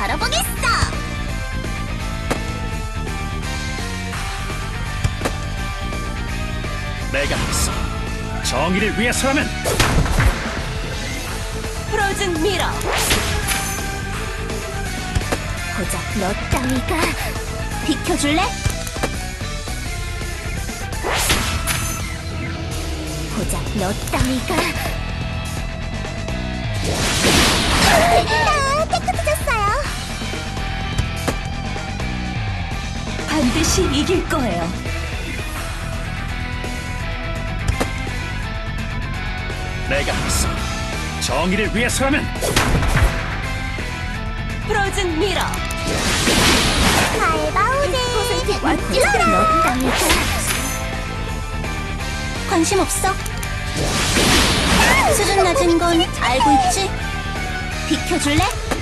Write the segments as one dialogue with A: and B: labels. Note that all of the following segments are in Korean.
A: 걸어보겠어.
B: 내가 하겠어. 정의를 위해서라면.
A: 프로즌 미러. 고작 너 따위가 비켜줄래? 고작 너 따위가. 깨끗해졌어요. 반드시 이길 거예요.
B: 내가 하겠어. 정의를 위해서라면.
A: 프로즌 미러. 알바오지. 완전 너 따위가. 관심 없어? 수준 낮은 건 알고 있지? 비켜줄래?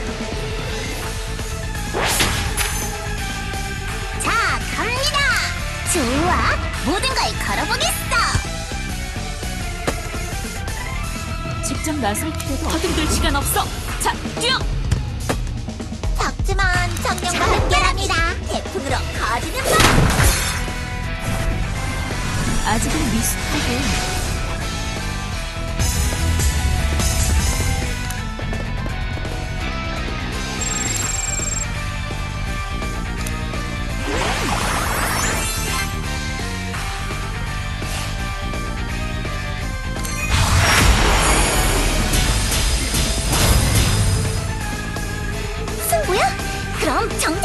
A: 자, 갑니다! 좋아! 모든 걸 걸어보겠어!
C: 직접 나설 필요도 허둥들 시간 없어. 자, 뛰어!
A: 작지만 청년과 함께랍니다. 태풍으로 거지는 법!
C: 아직은 미숙하고.
A: 승부야? 그럼 정작